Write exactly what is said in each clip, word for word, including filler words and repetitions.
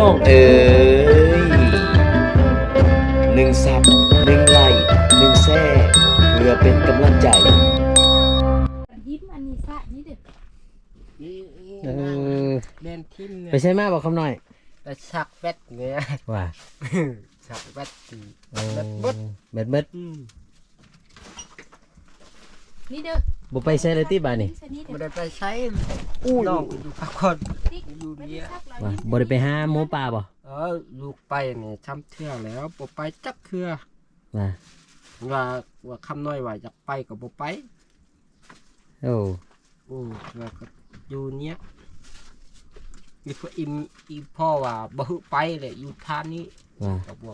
องเอ๋ยหนึ่งซับหนึ่งไลค์หนึ่งแซ่เพื่อเป็นกำลังใจยิ้มอันนี้ซะนี่เด็ดนี่เออเล่นทิมเนี่ยไปใช่มาบอกคำหน่อยแต่ชักแบตเนี่ยว่าชักแบตตีโอ้แบตบดเบ็ดเบ็ดอืมนี่เด้อบุไปใช่เลยที่บ้านนี่ซะนี่ไม่เด้อได้ไปใช้อู้น้องอยู่พักผ่อนติ๊กอยู่ไม่ได้เนี่ยซักเราว่ายิ้มบ่ได้ไปหาหมูป่าบ่เออลูกไปเนี่ยช้ำเทื่อแล้วบ่ไปจักเทื่อว่าว่าว่าคำน้อยว่าอยากไปก็บ่ไปโอ้โอ้แล้วก็อยู่เนี้ยมีพ่ออิมอีพ่อว่าบ่ฮึไปเลยอยู่ท่านนี้ว่าก็บอก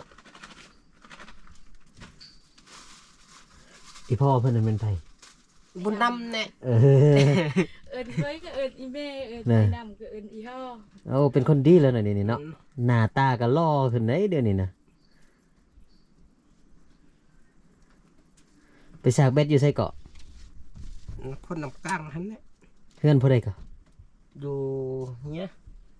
อีพ่อเพิ่นนั่นเป็นไผบุญนำเนี่ยเออเอิญเคยก็เอิญอีเม่เอิญน่ะไอ้ดำก็เอิญอีห่อโอ้เป็นคนดีแล้วหน่อยนี่เนาะหน้าตาก็หล่อขึ้นได้เดี๋ยวนี้นะไปสากเบ็ดอยู่ไสเกาะคนนำกลางหันเนี่ยเพื่อนผู้ใดก็อยู่เนี้ย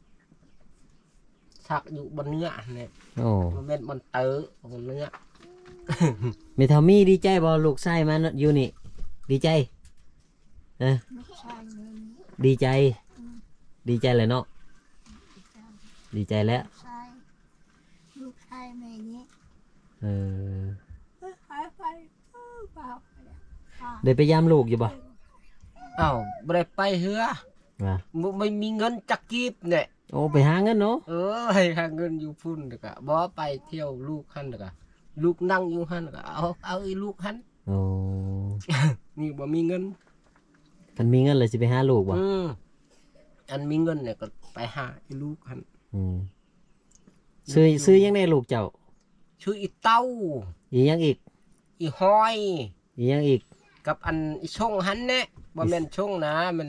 สักอยู่บนเนื้อเนี่ยโอ้มันเป็นบนเต๋อบนเนื้อเมทามี่ดีใจบ่ลูกชายมาอยู่นี่ ดีใจเออลูกชายเงินดีใจ ดีใจเลยเนาะดีใจแล้วชายลูกชายแม่นี้เออหายไปเปล่าได้ไปยามลูกอยู่บ่อ้าวไม่ได้ไปเฮือว่ามึงไม่มีเงินจักกีบเนี่ยโอ้ไปหาเงินเนาะเออให้หาเงินอยู่พุ่นเด็กอะบ่ไปเที่ยวลูกหันเด็กอะลูกนั่งอยู่หันเด็กอะเอาเอาไอ้ลูกหันโอ้นี่บ่มีเงินมันมีเงินเลยสิไปหาลูกบ่อืมอันมีเงินเนี่ยก็ไปหาไอ้ลูกหันอืมซื้อซื้อยังได้ลูกเจ้าชื่ออีเต้าอีหยังอีกอีห้อยอีหยังอีกกับอันอีช่องหันเนี่ยบ่แม่นช่องนะมัน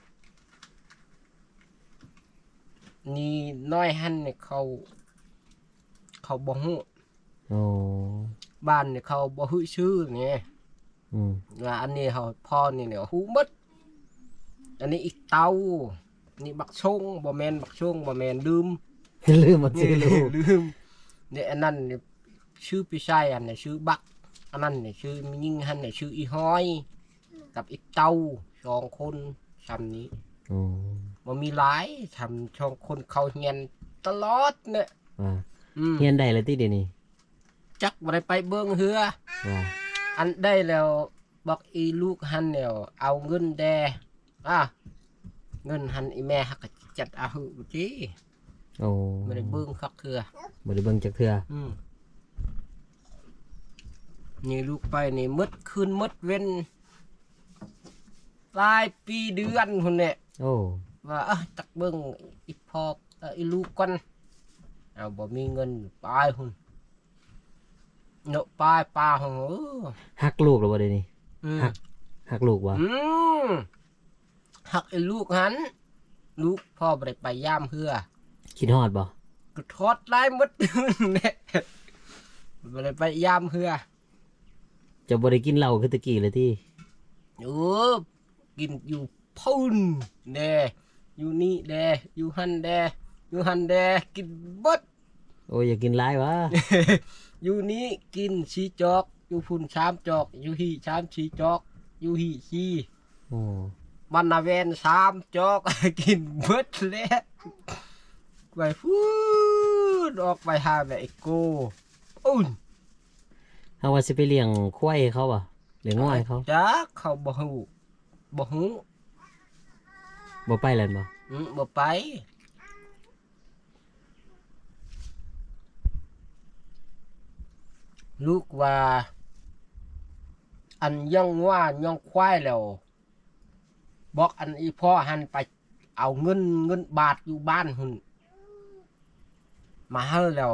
นี่น้อยหันเนี่ยเขา เขาบ่ฮู้โอ้บ้านเนี่ยเขาบ่ฮู้ชื่อเนี่ยอืมว่าอันนี้เขาพ่อนี่เนี่ยฮู้หมดอันนี้อีกเตานี่บักชงบ่แม่นบักชงบ่แม่นลืมลืมหมดชื่อลูกลืมเนี่ยอันนั้นเนี่ยชื่อพี่ชายอันเนี่ยชื่อบักอันนั้นเนี่ยชื่อมิยิ่งหันเนี่ยชื่ออีห้อย กับอีกเตาสองคนทำนี้โอ้บ่มีหลายทำช่องคนเขาเฮียนตลอดเนี่ยว่าอืมเฮียนได้เลยที่เดี๋ยวนี้จักบ่ได้ไปเบิ่งเฮือว่าอันได้แล้วบอกอีลูกหันแล้วเอาเงินแดอ่ะเงินหันอีแม่ฮักก็จัดเอาหือจีโอ้ไม่ได้เบิ่งคักเถื่อบ่ได้เบิ่งจักเทื่ออืมนี่ลูกไปนี่มดคืนมดเว้นหลายปีเดือนคนเนี่ยโอ้ว่าเอ้ยตักเบิ่งอีพอกเอ่ออีลูกก่อนเอาบ่มีเงินไปหุ่นเนาะไปปลาหุ่นเออฮักลูกหรือบ่เดี๋ยวนี้อืมฮักฮักลูกบ่อืมหักไอ้ลูกหันลูกพ่อไปไปย่ามเพื่อคิดฮอดบ่ก็ทอดไล่มด เนี่ยไปไปย่ามเพื่อจะบ่ได้กินเหล้าคือตะกี้เลยที่เออกินอยู่พุ่นแดอยู่นี่แดอยู่หันแดอยู่หันแดกินบดโอ้ยอย่ากินหลายวะอยู่นี่กินชีจอกอยู่พุ่นชามจอกอยู่หีชามชีจอกอยู่หีชีโอ้มันนาเวนสามจอก กินเบิดแล้วไปฟูดออกไปหาแม่ไอ้โกอุ่นเฮาว่าสิไปเลี้ยงควายให้เขาบ่เลี้ยงง่อยเขาจ้าเขาบ่ฮู้บ่ฮู้บ่ไปแล้วบ่อืมบ่ไปลูกว่า อันยังว่ายังควายแล้วบอกอันอีพ่อหันไปเอาเงินเงินบาทอยู่บ้านหุ่นมาให้แล้ว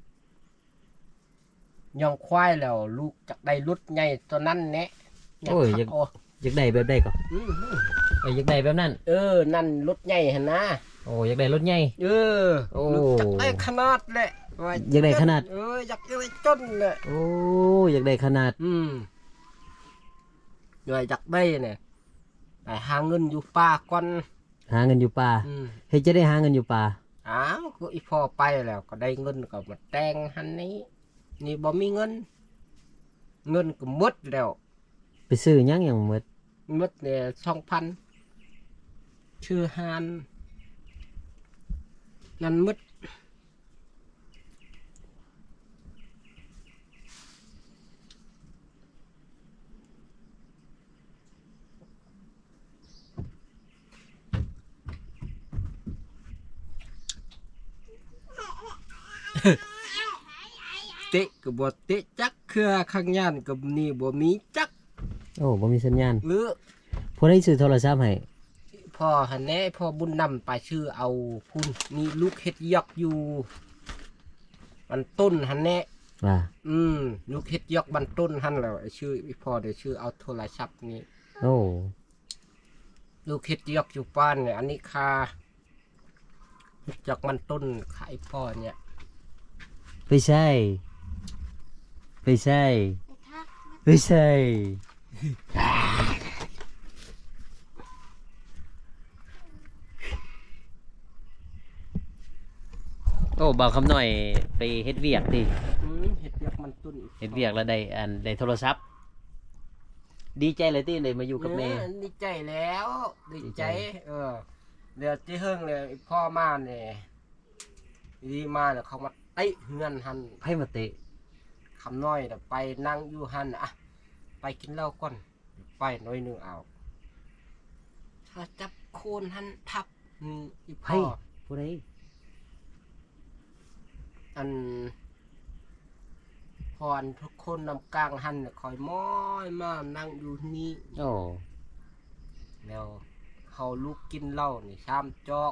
ยังควายแล้ว ลูกจากได้รถใหญ่ตัวนั้นแนะอยากโอ้ยอขัยากบเอาอยากได้แบบใดก็อืมเอ้ยอยากได้แบบนั้นเออ นั่นรถใหญ่หันนะโอ้อยากได้รถใหญ่เออโอ้ลูกจากได้ขนาดแหละว่อยากได้ขนาดเอออยากได้จนแหละโอ้อยากได้ขนาดอืมอยากได้เนี่ยไปหาเงินอยู่ป่าก่อนหาเงินอยู่ป่าอืมเฮ็ดจะได้หาเงินอยู่ป่าออ้าวก็อีพ่อไปแล้วก็ได้เงินก็มาแต่งหันนี้นี่บ่มีเงินเงินก็หมดแล้วไปซื้อหยังหยังหมดหมดเนี่ยสองพันชื่อฮานนั่นหมดเตะก็บ่เตะจักเครือข้างย่านก็นี่บ่มีจักโอ้บ่มีสัญญาณหรือผู้ใดซื้อโทรศัพท์ให้พ่อหันแน่พ่อบุญนำไปชื่อเอาพุ่นมีลูกเฮ็ดยอกอยู่มันต้นหันแน่ว่าอืมลูกเฮ็ดยอกบันต้นหันแล้วไอ้ชื่ออีพ่อเดี๋ยวชื่อเอาโทรศัพท์นี่โอ้ลูกเฮ็ดยอกอยู่บ้านเนี่ยอันนี้คาเฮ็ดยอกมันต้นขายพ่อเนี่ยไปใช่ไปใช่ไปทักไปใช่โอ้บ่าวคำหน่อยไปเฮ็ดเวียกดิอืมเฮ็ดยอกมันต้นอีเฮ็ดเวียกแล้วได้อันได้โทรศัพท์ดีใจเลยที่ได้มาอยู่กับแม่เออดีใจแล้วดีดีใจใจเออเดี๋ยวที่เฮิงเลยไอ้พ่อมาเนี่ยดีมาเนี่ยเขามาเตะเฮือนหันไผมาเตะคำน้อยน่ะไปนั่งอยู่หันอ่ะไปกินเหล้าก่อนไปหน้อยหนึงเอาถ้าจับโคนหันทับอืมอีไผพ่อผู้ใดอันพรทุกคนนำกลางหันน่ะคอยม้อยมานั่งอยู่นี่โอ้แล้วเขาลูกกินเหล้านี่ชามจอก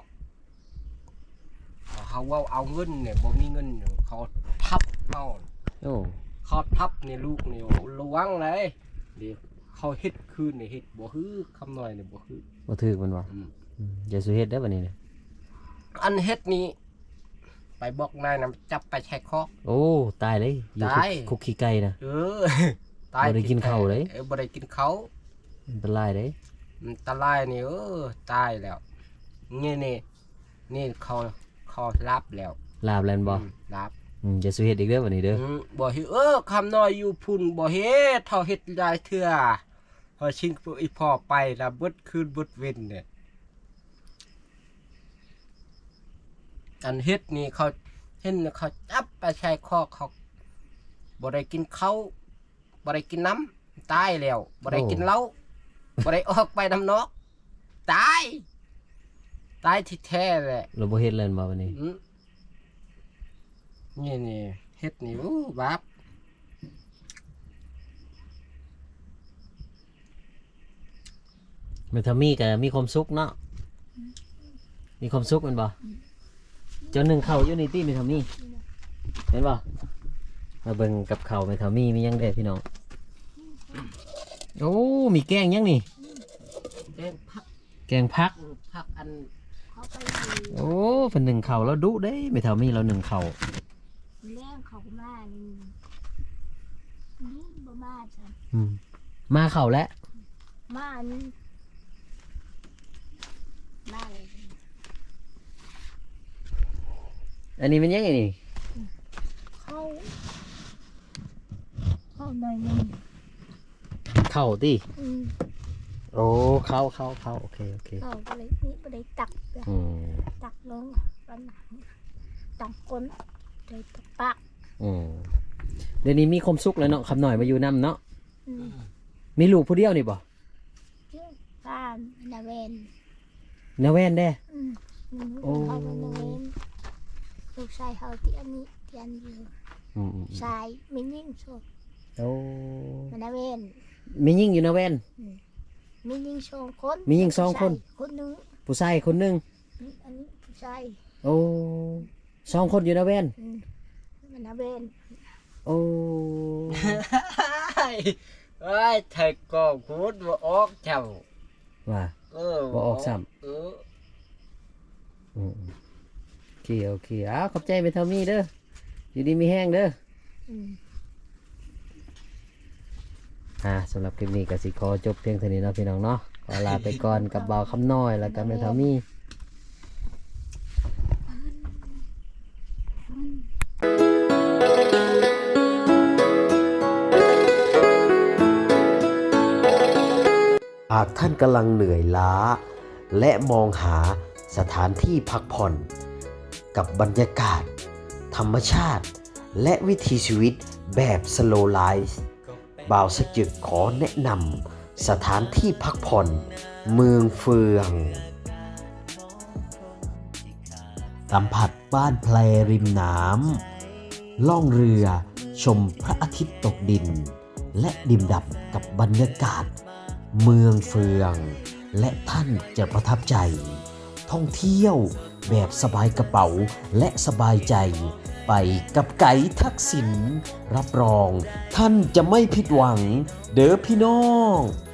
เขาเว่าเอาเงินเนี่ยบ่มีเงินอยู่เขาทับเอาโอ้เขาทับเนี่ยลูกเนี่ยโอ้ระวังเลยเดี๋ยวเขาเฮ็ดคืนเนี่ยเฮ็ดบ่ฮือคำน้อยเนี่ยบ่ฮือบ่ถูกมันบ่อืมอืมอย่าสุเฮ็ดเด้อบัดนี้นะอันเฮ็ดนี้ไปบอกนายนะจับไปแช่คอกโอ้ตายเลยอยู่คุกตายคุกขี้ไก่นะเออ ตายบ่ได้กินข้าวเลยออบ่ได้กินเขาวอันตรายเด้มันตะลายนี่เออตายแล้วนี่นี่นี่เขาเขารับแล้วลาบแลนบ่อืมรับอืมอย่าสุเฮ็ดอีกเด้อบัดนี้เด้ออืมบ่เฮ็ดเออคำน้อยอยู่พุ่นบ่เฮ็ดเท่าเฮ็ดหลายเทื่อพอชิงอีพ่อไปแล้วเบิดคืนเบิดเว้นเนี่ยอันเฮ็ดนี่เขาเห็นเขาจับไปใช้คอกเขาบ่ได้กินข้าวบ่ได้กินน้ำตายแล้วบ่ได้กินเหล้าบ่ได้ออกไปน้ำนอกตายตายที่แท้แหละเราบ่เฮ็ดแลนบ่บัดนี้อืมนี่นี่เฮ็ดนี่อู้บาปแม่ทามีก็มีความสุขเนาะมีความสุขแม่นบ่เจ้าหนึงเข้าวอยู่นี่ติแม่ทามีเห็นบ่มาเบิ่งกับข้าวแม่ทามีมีหยังเด้พี่น้องโอ้มีแกงหยังนี่เล่นพักแกงผักอืมพักอันเขาไปโอ้เพิ่นหนึ่งเข่าวแล้วดุเด้ไม่เท่ามีเราหนึ่งเข่าวแล้เขามานี่นี่บ่มาจ้ะอืมมาเข่าวแล้วมานี่มาเลยอันนี้เป็นยังไงนี่เขาเขาหน่อยหนึงเข่าวติอืมโอ้เข่าเข่าเข่าโอเคโอเคเขาก็เลยนี่บ่ได้ตักเลยอืมตักลงปันหนังตักก้นเลยตักปากอืมเดี๋ยวนี้มีความสุขแล้วเนาะคำหน่อยมาอยู่นํเนาะอืมมีลูกผู้เดียวนี่บ่เจ้าบ้านนาเวนนาแว่นเด้อืมอืมโอ้เขาเป็นนาเวนลูกชายเขาที่อันนี้ที่อันอยู่อืมอืมชายไม่ยิ่งโชดโอ้มันนาเวนมียิ่งอยู่นาแว่นมียิ่งโชว์คนมียิ่งสองคนคนหนึงผู้ชายคนหนึงอันนี้ผู้ชายโอ้สองคนอยู่นาแว่นอืมมันนาเวนโอ้เอ้ยไทยก็พูดว่าออกเจ้าว่าเออบ่ออกซ้ำเอออืมโอเคโอเคอ้าวขอบใจไปเท่ามีเด้ออยู่ดีมีแห้งเด้ออืมอ่าสำหรับคลิปนี้ก็สิขอจบเพียงเท่านี้เนาะพี่น้องเนาะขอลาไปก่อนกับบ่าวคำน้อยแล้วก็แม่เท่ามีท่านกำลังเหนื่อยล้าและมองหาสถานที่พักผ่อนกับบรรยากาศธรรมชาติและวิถีชีวิตแบบ slow life บ่าวสจึกขอแนะนำสถานที่พักผ่อนเมืองเฟืองสัมผัสบ้านแพลริมน้ำล่องเรือชมพระอาทิตย์ตกดินและดื่มด่ำกับบรรยากาศเมืองเฟืองและท่านจะประทับใจท่องเที่ยวแบบสบายกระเป๋าและสบายใจไปกับไกด์ทักษิณรับรองท่านจะไม่ผิดหวังเด้อพี่น้อง